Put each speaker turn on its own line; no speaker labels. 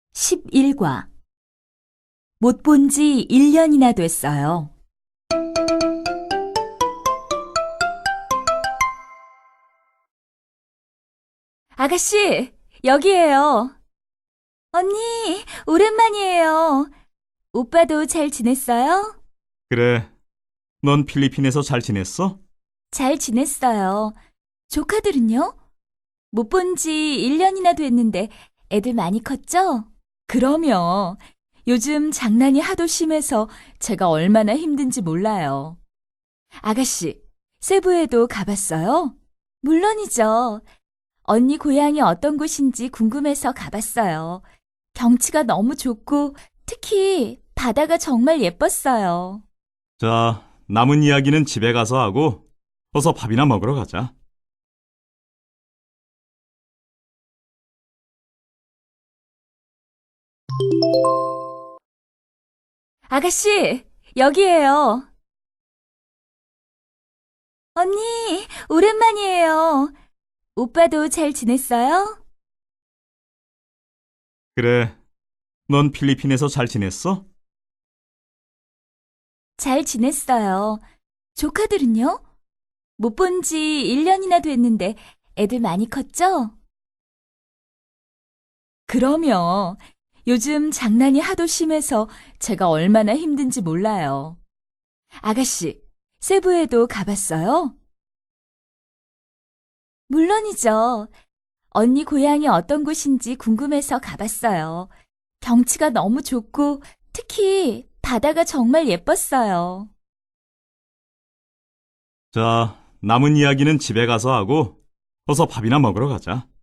11과 못 본 지 1년이나 됐어요. 아가씨, 여기에요. 언니, 오랜만이에요. 오빠도 잘 지냈어요?
그래, 넌 필리핀에서 잘 지냈어?
잘 지냈어요. 조카들은요? 못 본 지 1년이나 됐는데 애들 많이 컸죠? 그럼요. 요즘 장난이 하도 심해서 제가 얼마나 힘든지 몰라요. 아가씨, 세부에도 가봤어요? 물론이죠. 언니 고향이 어떤 곳인지 궁금해서 가봤어요. 경치가 너무 좋고 특히 바다가 정말 예뻤어요.
자, 남은 이야기는 집에 가서 하고 어서 밥이나 먹으러 가자.
아가씨, 여기에요. 언니, 오랜만이에요. 오빠도 잘 지냈어요?
그래, 넌 필리핀에서 잘 지냈어?
잘 지냈어요. 조카들은요? 못 본 지 1년이나 됐는데 애들 많이 컸죠? 그럼요. 요즘 장난이 하도 심해서 제가 얼마나 힘든지 몰라요. 아가씨, 세부에도 가봤어요? 물론이죠. 언니 고향이 어떤 곳인지 궁금해서 가봤어요. 경치가 너무 좋고 특히 바다가 정말 예뻤어요.
자, 남은 이야기는 집에 가서 하고 어서 밥이나 먹으러 가자.